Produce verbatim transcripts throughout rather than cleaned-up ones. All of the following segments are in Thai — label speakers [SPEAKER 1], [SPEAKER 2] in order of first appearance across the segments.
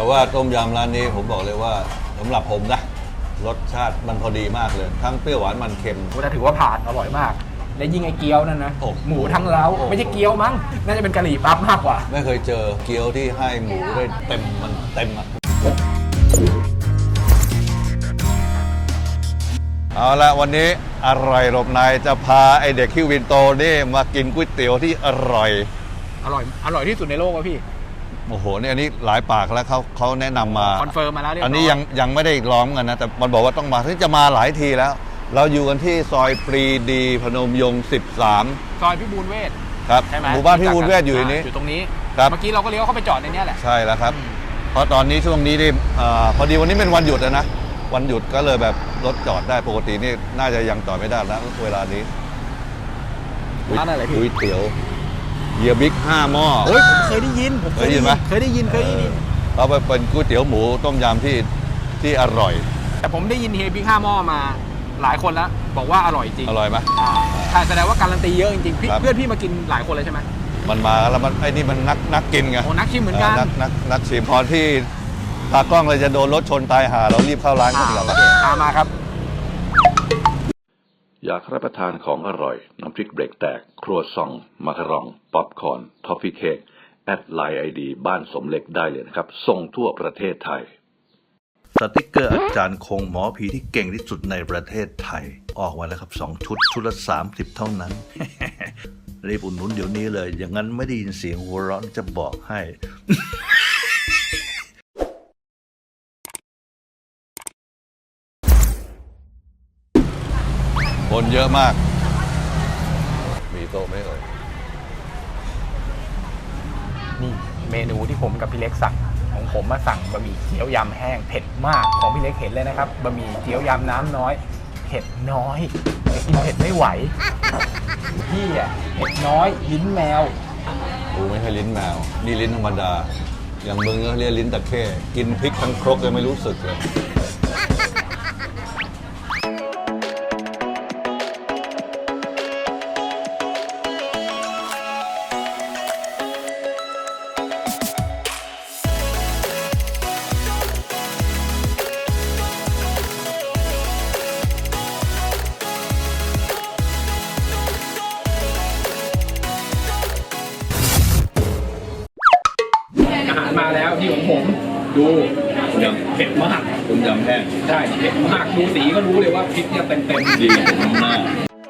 [SPEAKER 1] แต่ว่าต้มยำร้านนี้ผมบอกเลยว่าสำหรับผมนะรสชาติมันพอดีมากเลยทั้งเปรี้ยวหวานมันเค็ม
[SPEAKER 2] ก็ถือว่าผ่านอร่อยมากและยิ่งไอ้เกี๊ยวนั่นนะหมูทั้งเล้าไม่ใช่เกี๊ยวมั้งน่าจะเป็นกะหรี่ปั๊บมากกว่า
[SPEAKER 1] ไม่เคยเจอเกี๊ยวที่ให้หมูได้เต็มมันเต็มอ่ะเอาละวันนี้อร่อยหลบในจะพาไอเด็กคิววินโตนี่มากินก๋วยเตี๋ยวที่อร่อย
[SPEAKER 2] อร่อยอร่อยที่สุดในโลกอ่ะพี่
[SPEAKER 1] โอ้โหเนี่ยอันนี้หลายปากแล้วเขาเขาแนะนำมา
[SPEAKER 2] คอนเฟิร์มมาแล้วเรียบร้อย
[SPEAKER 1] อันนี้ยังยังไม่ได้ล้อมกันนะแต่มันบอกว่าต้องมาที่จะมาหลายทีแล้วเราอยู่กันที่ซอยปรีดีพนมยงค์สิบสาม
[SPEAKER 2] ซอยพิบูลเวช
[SPEAKER 1] ครับหมู่บ้านพิบูลเวชอยู่ในนี้
[SPEAKER 2] อยู่ตรงนี้ครับเมื่อกี้เราก็เลี้ยวเข้าไปจอดในนี้แหละ
[SPEAKER 1] ใช่แล้วครับเพราะตอนนี้ช่วงนี้นี่พอดีวันนี้เป็นวันหยุดนะวันหยุดก็เลยแบบรถจอดได้ปกตินี่น่าจะยังจอดไม่ได้แล้วเวลานี้
[SPEAKER 2] ร้านอะไรพี่
[SPEAKER 1] ก๋วยเตี๋ยวเฮียบิ๊กห้าหม้อ
[SPEAKER 2] เฮ้ยผมเคยได้ยินผม
[SPEAKER 1] เคยได้ยินไหม
[SPEAKER 2] เคยได้ยินเคยได้ยิน
[SPEAKER 1] เราไปเป็นก๋วยเตี๋ยวหมูต้มยำที่ที่อร่อย
[SPEAKER 2] แต่ผมได้ยินเฮียบิ๊กห้าหม้อมาหลายคนแล้วบอกว่าอร่อยจริง
[SPEAKER 1] อร่อยไหม
[SPEAKER 2] ใช่แสดงว่าการันตีเยอะจริงๆเพื่อนพี่มากินหลายคนเลยใช่ไหม
[SPEAKER 1] มันมาแล้วมันไอ้นี่มันนักนักกินไง
[SPEAKER 2] โอ้นักชิมเหมือนกัน
[SPEAKER 1] นักนักนักชิมพอที่ตากล้องเลยจะโดนรถชนตายหาเรารีบเข้าร้านกันแล้ว
[SPEAKER 2] ตามมาครับ
[SPEAKER 3] อยากรับประทานของอร่อยน้ำพริกเบรกแตกครัวซองมาคารองป๊อปคอร์นทอฟฟี่เค้กแอดไลน์ไอดีบ้านสมเล็กได้เลยนะครับส่งทั่วประเทศไทย
[SPEAKER 1] สติกเกอร์อาจารย์คงหมอผีที่เก่งที่สุดในประเทศไทยออกมาแล้วครับสองชุดชุดละสามสิบเท่านั้นรีบอุดหนุนเดี๋ยวนี้เลยอย่างนั้นไม่ได้ยินเสียงหัวเราะจะบอกให้คนเยอะมากมีโต๊ะไหมเอ่ย
[SPEAKER 2] นี่เมนูที่ผมกับพี่เล็กสั่งของผมมาสั่งบะหมี่เกี๊ยวยำแห้งเผ็ดมากของพี่เล็กเห็นเลยนะครับบะหมี่เกี๊ยวยำน้ำน้อยเผ็ดน้อยกินเผ็ดไม่ไหวพี่อ่ะเผ็ดน้อยลิ้นแมว
[SPEAKER 1] กูไม่ใช่ลิ้นแมวนี่ลิ้นธรรมดาอย่างมึงก็เรียกลิ้นตะเข้กินพริกทั้งครกยังไม่รู้สึกเลย
[SPEAKER 2] มาแล้วที่ของผมดูยำเผ็ดมาก
[SPEAKER 1] ต้มยำแห้ง
[SPEAKER 2] ใช่เผ็ดมากดูสีก็รู้เลยว่าพริกเนี่ยเต็มเต็ม
[SPEAKER 1] ดีน้ำหน้า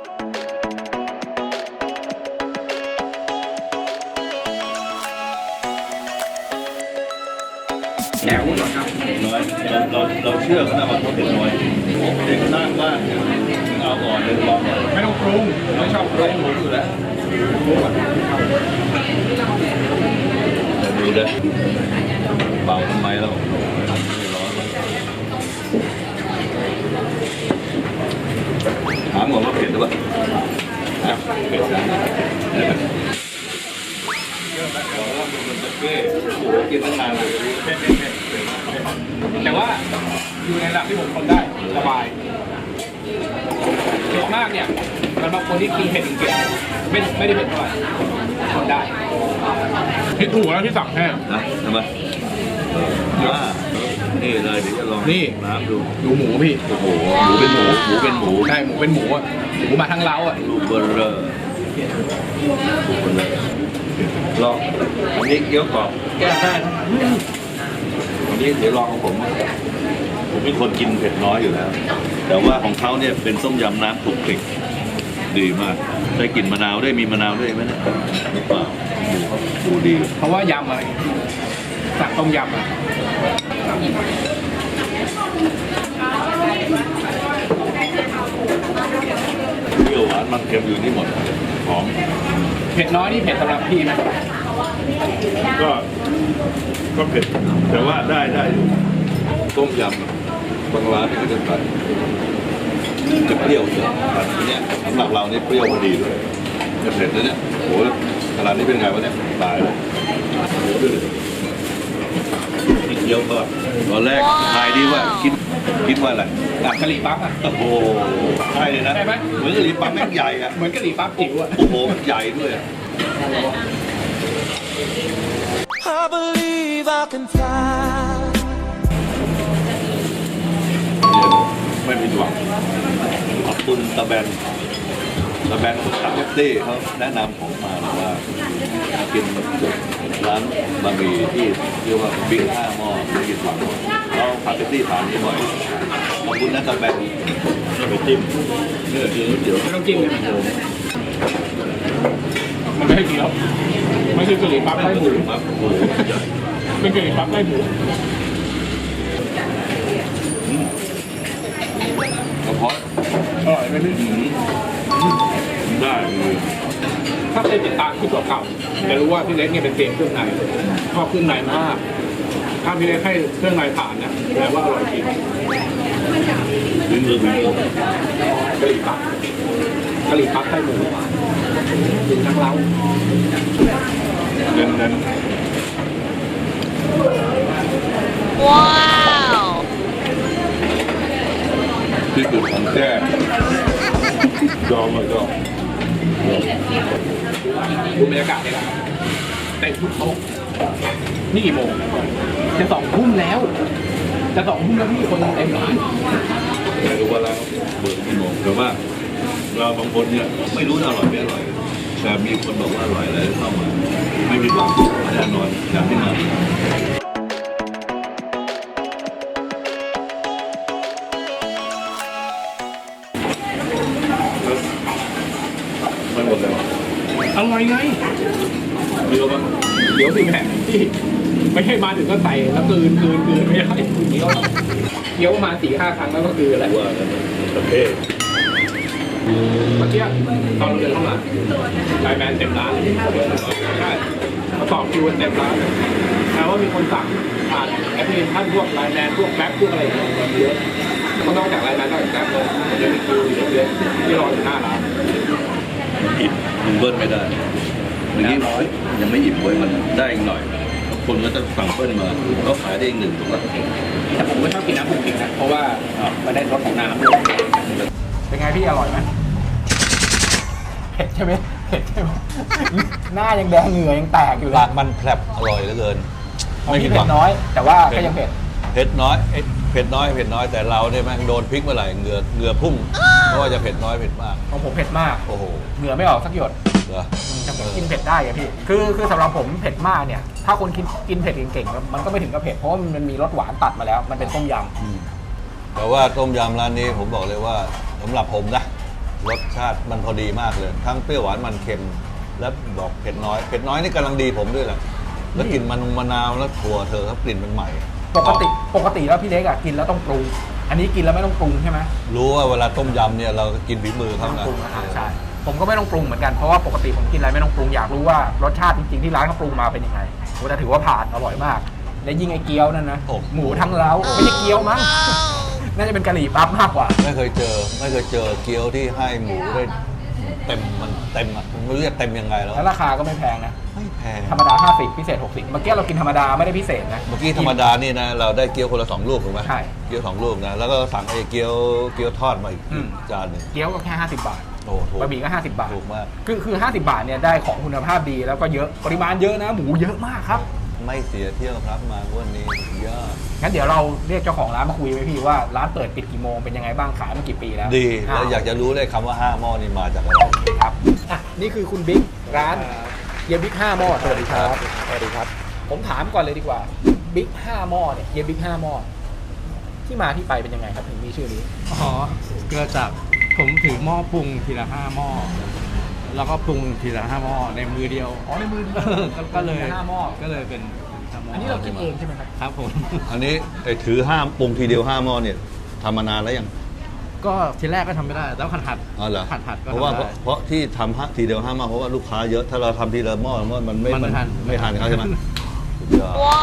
[SPEAKER 2] แหนวหน่อยครับ
[SPEAKER 1] น้อยเราเราเราเชื่อเขานะว่าเขาเผ็ดน้อยเด็กน่าบ้านเอาก่อนเลยลอง
[SPEAKER 2] ไม่ต้องปรุงไม่ชอบปรุงหมูอยู่แล้ว
[SPEAKER 1] ดูเด้อเบาทำไมเราร้อนถามก่อนว่าเผ็ดหรือเปล่าเผ็ดนะกินตั้งนานเลย
[SPEAKER 2] แต่ว่าอยู่ในระดับที่ผมทนได้สบายเผ็ดมากเนี่ยสำหรับคนที่กินเผ็ดเก่งๆไม่ไม่ได้เผ็ดเท่าไหร่ทนได้ผิดถูกแล้วที่สั่งแห้ง
[SPEAKER 1] นะทำไมนี่เลยเดี๋ยวจะลอง
[SPEAKER 2] นี่
[SPEAKER 1] น้ำดู
[SPEAKER 2] ดูหมูพี่
[SPEAKER 1] โอ้โหหมูเป็นหมูหมูเป็นหมู
[SPEAKER 2] ใช่หมูเป็นหมูอ่ะหมูมาทั้งเล้าอ่ะ
[SPEAKER 1] ลูกเบอร์เรอร์ลองอันนี้เกี๊ยวกรอบแก้ได้อันนี้เดี๋ยวลองของผมผมเป็นคนกินเผ็ดน้อยอยู่แล้วแต่ว่าของเขาเนี่ยเป็นต้มยำน้ำคลุกคลิกดีมากได้กลิ่นมะนาวด้วยมีมะนาวด้วยไหมเนี่ยหรือเปล่าดูดี
[SPEAKER 2] เพราะว่ายำอะไรสั่งต้มยำอ่ะ
[SPEAKER 1] เปรี้ยวหวานมันเค็มอยู่นี่หมดหอม
[SPEAKER 2] เผ็ดน้อยนี่เผ็ดสำหรับพี่ไหม
[SPEAKER 1] ก็ก็เผ็ดแต่ว่าได้ได้อยู่ต้มยำบางร้านนี่ก็จะใส่จะเปรี้ยวเยอะแต่ทีเนี้ยสำหรับเรานี่เปรี้ยวพอดีเลยจะเผ็ดแล้วเนี่ยโหขนาดนี้เป็นไงวะเนี่ยตายเลยนี่เกี๊ยวก็ตอนแรกทายดีว่าคิดคิดว่าอะไร
[SPEAKER 2] แบบกะหรี่ปั๊บอ่ะ
[SPEAKER 1] โอ้โหใช่เลยนะ
[SPEAKER 2] ใช่ไหม
[SPEAKER 1] เหมือนกะหรี่ปั๊บแม่งใหญ่อะ
[SPEAKER 2] เหมือนกะหรี่ปั๊บจิ๋วอ่ะ
[SPEAKER 1] โอ้โหมันใหญ่ด้วย
[SPEAKER 4] หา I believe I can fly.
[SPEAKER 1] ไม่ผิดหวังขอบคุณตะแบนตะแบนขับแท็กซี่เขาแนะนำผมมาบอกว่ากินร้านบะหมี่ที่เรียกว่าบิ๊กห้าหม้อไม่ผิดหวังเราขับแท็กซี่ผ่านนี้บ่อยขอบคุณนะตะแบนไปจิ้มเนี่ยคือเดี๋ยว
[SPEAKER 2] ไม่ต้องจิ้มเลยมันไม่ให้เกี๊ยวไม่ใช่กะหรี่ปั๊บไส้หมู
[SPEAKER 1] ครับโอ้โหใหญ่
[SPEAKER 2] เป็นกะหรี่ปั๊บไส้หมู
[SPEAKER 1] กระเพาะ
[SPEAKER 2] อร่อยไหมพี่
[SPEAKER 1] ได้เลย
[SPEAKER 2] ถ้าเคยติดตามคลิปเก่าๆจะรู้ว่าพี่เล็กเนี่ยเป็นเซียนเครื่องในชอบเครื่องในมากถ้าพี่เล็กให้เครื่องในผ่านนะแปลว่าอร่อยจริง
[SPEAKER 1] ถึงมือถึงมือก
[SPEAKER 2] ะหรี่ปั๊บกะหรี่ปั๊บไส้หมูกินทั้งเล้า
[SPEAKER 1] เน้นเน้น
[SPEAKER 5] ว้าว
[SPEAKER 1] ที่สุดของแท้ยอมเลยก็
[SPEAKER 2] ดูบรรยากาศเลยนะครับเต็มทุกโต๊ะนี่กี่โมงจะสองทุ่มแล้วจะสองทุ่มแล้วพี่คนเต็มร้าน
[SPEAKER 1] ไม่รู้ว่าเราเบิกกี่โมงแต่ว่าเราบางคนเนี่ยไม่รู้อร่อยไม่อร่อยแต่มีคนบอกว่าอร่อยแล้วเข้ามาไม่มีหวังแน่นอนจากที่มาไม่หมดเลย
[SPEAKER 2] อร่อยไง
[SPEAKER 1] เยอะมาก
[SPEAKER 2] เดี๋ยวสิแม่ที่ไม่ใช่มาถึงก็ใส่แล้วกลืนกลืนกลืนไม่ได้เคี้ยวเคี้ยวประมาณสี่ห้าครั้งแล้วก็กลืนแหละ
[SPEAKER 1] ว่ากันประเภท
[SPEAKER 2] เมื่อกี้ตอนเราเดินเข้ามาไลน์แมนเต็มร้านใช่มาต่อคิวเต็มร้านแปลว่ามีคนสั่งผ่านแอปพลิเคชันพวกไลน์แมนพวกแบ็คพวกอะไรอย่างเงี้ยเยอะก็นอกจากไลน์แมนนอกจากแบ็คเลยเดี๋ยวมีคิวอยู่เยอะที่รออยู่หน้าร้าน
[SPEAKER 1] อิ่มมันเบิ้ลไม่ได้อย่างนี้น้อยยังไม่อิ่มเว้ยมันได้อีกหน่อยคนก็จะสั่งเบิ้ลมาเขาขายได้อีกหนึ่งถูกป่ะ
[SPEAKER 2] แต่ผมไม่ชอบกินน้ำผงจริงนะเพราะว่ามันได้รสของน้ำด้วยเป็นไงพี่อร่อยไหมเผ็ดใช่ไหมเผ็ดใช่ไหมหน้ายังแดงเหงื่อยังแตกอยู่เล
[SPEAKER 3] ปาย กมันแผลบอร่อยเหลือเกิน
[SPEAKER 2] ของ
[SPEAKER 3] ไม่
[SPEAKER 2] พี่
[SPEAKER 3] ผิดห
[SPEAKER 2] เผ็
[SPEAKER 3] วั
[SPEAKER 2] ด
[SPEAKER 3] ง
[SPEAKER 2] น้อย แต่ว่าก็ยังเผ็ด
[SPEAKER 3] เผ็ดน้อยเอ้ยเผ็ดน้อยเผ็ดน้อยแต่เราเนี่ยแม่งโดนพริกเมื่อไหร่เหงื่อเหงื่อพุ่งเพราะว่าจะเผ็ดน้อยเผ็ดมาก
[SPEAKER 2] ของผมเผ็ดมาก
[SPEAKER 3] โอ้โห
[SPEAKER 2] เหงื่อไม่ออกสักหยด
[SPEAKER 3] เหรอ
[SPEAKER 2] แต่ผมกินเผ็ดได้อะพี่คือคือสำหรับผมเผ็ดมากเนี่ยถ้าคนกินกินเผ็ดเก่งๆมันก็ไม่ถึงกับเผ็ดเพราะว่ามันมีรสหวานตัดมาแล้วมันเป็นต้มย
[SPEAKER 3] อืมแต่ว่าต้มยำร้านนี้ผมบอกเลยว่าสำหรับผมนะรสชาติมันพอดีมากเลย ทั้งเปรี้ยวหวานมันเค็ม และบอกเผ็ดน้อยเผ็ดน้อยนี่กำลังดีผมด้วยแหละแล้วกลิ่นมันมะนาวแล้วถั่วเธอครับกลิ่นมันใหม่
[SPEAKER 2] ำปกติปกติแล้วพี่เล็กอะกินแล้วต้องปรุง อันนี้กินแล้วไม่ต้องปรุงใช่ไหม
[SPEAKER 3] รู้ว่าเวลาต้มยำเนี่ยเรากินฝีมือ
[SPEAKER 2] ไม่
[SPEAKER 3] เขา
[SPEAKER 2] ต้อง
[SPEAKER 3] นะ
[SPEAKER 2] ปรุงนะครับใช่ผมก็ไม่ต้องปรุงเหมือนกันเพราะว่าปกติผมกินอะไรไม่ต้องปรุงอยากรู้ว่ารสชาติจริงๆที่ร้านเขาปรุงมาเป็นยังไงโอ้แต่ถือว่าผ่านอร่อยมาก และยิ่งไอ้เกี๊ยวนั่นนะหมูทั้งเล้าไม่ใช่เกี๊ยวมั้งน่าจะเป็นกะหรี่ปั๊บมากกว่า
[SPEAKER 3] ไม่เคยเจอไม่เคยเจอเกี๊ยวที่ให้หมูได้เต็มมันเต็มอ่ะไม่รู้จะเต็มยังไงแล้ว
[SPEAKER 2] แล้วราคาก็ไม่แพงนะ
[SPEAKER 3] ไม่แพง
[SPEAKER 2] ธรรมดาห้าสิบพิเศษหกสิบเมื่อกี้เรากินธรรมดาไม่ได้พิเศษนะ
[SPEAKER 3] เมื่อกี้ธรรมดานี่นะเราได้เกี๊ยวคนละสองลูกถูกไหม
[SPEAKER 2] ใช่
[SPEAKER 3] เกี๊ยวสองลูกนะแล้วก็สั่งไอ้เกี๊ยวเกี๊ยวทอดมาอีก
[SPEAKER 2] อืม
[SPEAKER 3] จานหนึ่ง
[SPEAKER 2] เกี๊ยวก็แค่ห้าสิบบาท
[SPEAKER 3] โอ้ถูก
[SPEAKER 2] บะหมี่ก็ห้าสิบบาท
[SPEAKER 3] ถูกมาก
[SPEAKER 2] คือคือห้าสิบบาทเนี่ยได้ของคุณภาพดีแล้วก็เยอะปริมาณเยอะนะหมูเยอะมากครับ
[SPEAKER 3] ไม่เสียเที่ยวครับมาวันนี้ยอด
[SPEAKER 2] งั้นเดี๋ยวเราเรียกเจ้าของร้านมาคุยไหมพี่ว่าร้านเปิดปิดกี่โมงเป็นยังไงบ้างขายมากี่ปีแล้ว
[SPEAKER 3] ดีแล้วอยากจะรู้เลยคำว่าห้าหม้อนี่มาจากอะไร
[SPEAKER 2] ครับอ่ะนี่คือคุณบิ๊กร้านเฮียบิ๊กห้าหม้อสวัสดีครับสวัสดีครับ ผมถามก่อนเลยดีกว่าบิ๊กห้าหม้อเนี่ยเฮียบิ๊กห้าหม้อที่มาที่ไปเป็นยังไงครับถึงมีชื่อนี้
[SPEAKER 6] อ๋อเกิดจากผมถือหม้อปรุงทีละห้าหม้อแล้วก็ปรุงทีละห้าหม้อในมือเดียว
[SPEAKER 2] อ๋อในมือ
[SPEAKER 6] ก็ก็เลย
[SPEAKER 2] ห้าหม้อ
[SPEAKER 6] ก็เลยเป็นห้าหม้อ
[SPEAKER 2] อันนี้เราคิดเองใช่ไหมครับ
[SPEAKER 6] ครับผม
[SPEAKER 3] อันนี้ไอ้ถือห้ามปรุงทีเดียวห้าหม้อเนี่ยทำมานานแล้วยัง
[SPEAKER 6] ก็ทีแรกก็ทำไม่ได้แล้วหัดหัด
[SPEAKER 3] อ๋อเหรอ
[SPEAKER 6] หัดหัดก็
[SPEAKER 3] เพราะว่า
[SPEAKER 6] ทำได้
[SPEAKER 3] เพราะที่ทำทีเดียวห้าหม้อเพราะว่าลูกค้าเยอะถ้าเราทำทีละหม้อมันไม่
[SPEAKER 6] มันไม่ทัน
[SPEAKER 3] ไม่ทันเขาใช่ไหมสุดยอด
[SPEAKER 5] ว้าว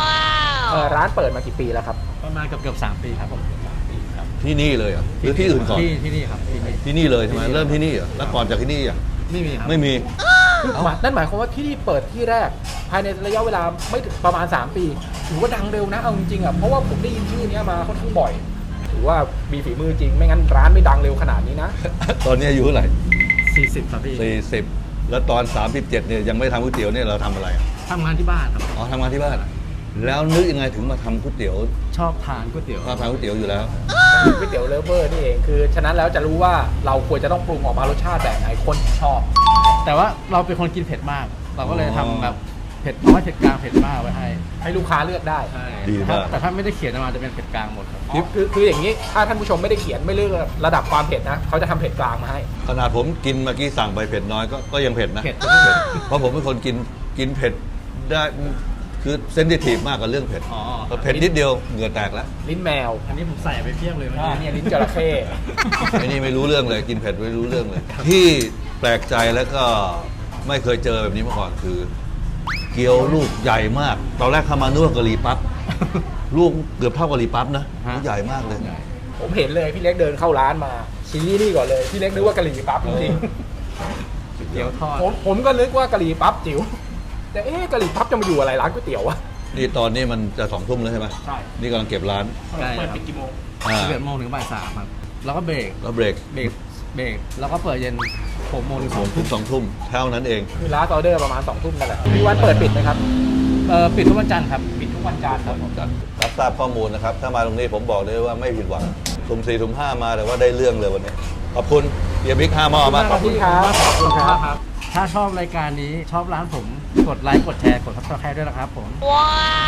[SPEAKER 2] เออร้านเปิดมากี่ปีแล้วครับ
[SPEAKER 6] ประมาณเกือบเกือบสามปีครับผมสามปีครับ
[SPEAKER 3] ที่นี่เลยเหรอ่ะหรือที่อื่นก่อน
[SPEAKER 6] ที่ที่นี่ครับที่นี่
[SPEAKER 3] ที่นี่เลยใช่ไหมเริ่มที่นี่เหรอ่ะแล้วก่อนจากที่นี่อ่ะ
[SPEAKER 6] ไม่มีครับ
[SPEAKER 3] ไม่มี
[SPEAKER 2] คือหมายนั่นหมายความว่าที่นี่เปิดที่แรก ภายในระยะเวลาไม่ถึงประมาณสามปีถือว่าดังเร็วนะเอาจริงๆอ่ะเพราะว่าผมได้ยินชื่อนี้มาค่อนข้างบ่อยถือว่ามีฝีมือจริงไม่งั้นร้านไม่ดังเร็วขนาดนี้นะ
[SPEAKER 3] ตอนนี้อายุเท่าไหร่
[SPEAKER 6] สี่สิบครับพี่
[SPEAKER 3] สี่สิบแล้วตอนสามสิบเจ็ดเนี่ยยังไม่ทำก๋วยเตี๋ยวเนี่ยเราทำอะไรอ่ะ
[SPEAKER 6] ทำงานที่บ้านครับ
[SPEAKER 3] อ๋อทำงานที่บ้าน แล้วนึกยังไงถึงมาทำก๋วยเตี๋ยว
[SPEAKER 6] ชอบทานก๋วยเตี๋ยว
[SPEAKER 3] ชอบทานก๋วยเตี๋ยวอยู่แล้ว
[SPEAKER 2] ก๋วยเตี๋ยวเลฟเวอร์นี่เองคือฉะนั้นแล้วจะรู้ว่าเราควรจะต้องปรุงออกมารสชาติแบบไหนคนชอบ
[SPEAKER 6] แต่ว่าเราเป็นคนกินเผ็ดมาก เราก็เลย
[SPEAKER 3] อ๋อ
[SPEAKER 6] ทำแบบเผ็ดน้อยเผ็ดกลางเผ็ดมากไว้ให้
[SPEAKER 2] ให้ลูกค้าเลือกได้
[SPEAKER 6] ใช่
[SPEAKER 3] ดีมาก
[SPEAKER 6] แต่ถ้าไม่ได้เขียนมาจะเป็นเผ็ดกลางหมดครับ
[SPEAKER 2] อ๋อคือคืออย่างนี้ถ้าท่านผู้ชมไม่ได้เขียนไม่เลือกระดับความเผ็ดนะเขาจะทำเผ็ดกลางมาให้
[SPEAKER 3] ขนาดผมกินเมื่อกี้สั่งไปเผ็ดน้อยก็ก็ยังเผ็ดนะ
[SPEAKER 6] เผ็ด
[SPEAKER 3] เพราะผมเป็นคนกินกินเผ็ดได้คือเซนซิทีฟมากกับเรื่องเผ็ด
[SPEAKER 6] อ๋อ
[SPEAKER 3] พอเผ็ดนิดเดียวเหงื่อแตกแล้ว
[SPEAKER 2] ลิ้นแมว
[SPEAKER 6] อันนี้ผมใส่ไปเพียบเลยเมื่อ
[SPEAKER 2] อ่า
[SPEAKER 6] กี้
[SPEAKER 2] เนี่ยลิ้นจระเข้
[SPEAKER 3] ไอ้นี่ไม่รู้เรื่องเลยกินเผ็ดไม่รู้เรื่องเลย ที่แปลกใจแล้วก็ไม่เคยเจอแบบนี้มาก่อนคือ เกี๊ยวลูกใหญ่มาก ตอนแรกเข้ามานึกว่ากะหรี่ปั๊บลูกเกือบเท่ากะหรี่ปั๊บนะลูกใหญ่มากเลย
[SPEAKER 2] ผมเห็นเลยพี่เล็กเดินเข้าร้านมาชี้นี่ก่อนเลยพี่เล็กนึกว่ากะหรี่ปั๊บจริง
[SPEAKER 6] เกี๊ยวทอด
[SPEAKER 2] ๆผมผมก็นึกว่ากะหรี่ปั๊บจิ๋วแต่เอ๊ะกะหรี่ปั๊บจะมาอยู่อะไรร้านก๋วยเตี๋ยววะ
[SPEAKER 3] นี่ตอนนี้มันจะสองทุ่มแล้วใช่ไหม
[SPEAKER 2] ใช่
[SPEAKER 3] นี่กำลังเก็บร้าน
[SPEAKER 6] ใช่
[SPEAKER 2] เปิด
[SPEAKER 6] ครับ
[SPEAKER 2] ปิดกี่โมง
[SPEAKER 3] อ่า
[SPEAKER 6] สิบเอ็ดโมงถึงบ่ายสามครับ แล้วก็เบรก
[SPEAKER 3] แล้วเบรก
[SPEAKER 6] เบรก เบรก แล้วก็เปิดเย็นหกโมงถึง
[SPEAKER 3] ส
[SPEAKER 6] ส
[SPEAKER 3] อ
[SPEAKER 6] อง ง
[SPEAKER 3] ทุ่
[SPEAKER 6] ทุ่
[SPEAKER 3] ม
[SPEAKER 6] ม
[SPEAKER 3] สองทุ่มเท่านั้นเอง
[SPEAKER 2] คือร้านออเดอร์ประมาณสองทุ่มนั่นแหละมีวันเปิดปิดไหมครับ
[SPEAKER 6] เอ่อปิดทุกวันจันทร์ครับ
[SPEAKER 2] ปิดทุกวันจันทร์ครับ
[SPEAKER 3] รับทราบข้อมูลนะครับ ถ้ามาตรงนี้ผมบอกเลยว่าไม่ผิดหวังทุ่มสี่ทุ่มห้ามาแต่ว่าได้เรื่องเลยวันนี้ ขอบคุณเบียร์บิ๊กห้าหม้อมาก
[SPEAKER 2] ขอบคุณครับขอบคุณครับ
[SPEAKER 6] ถ้าชอบรายการนี้ชอบร้านผม กดไลค์ กดแชร์ กดซับสไครต์ด้วยนะครับผม
[SPEAKER 5] Wow.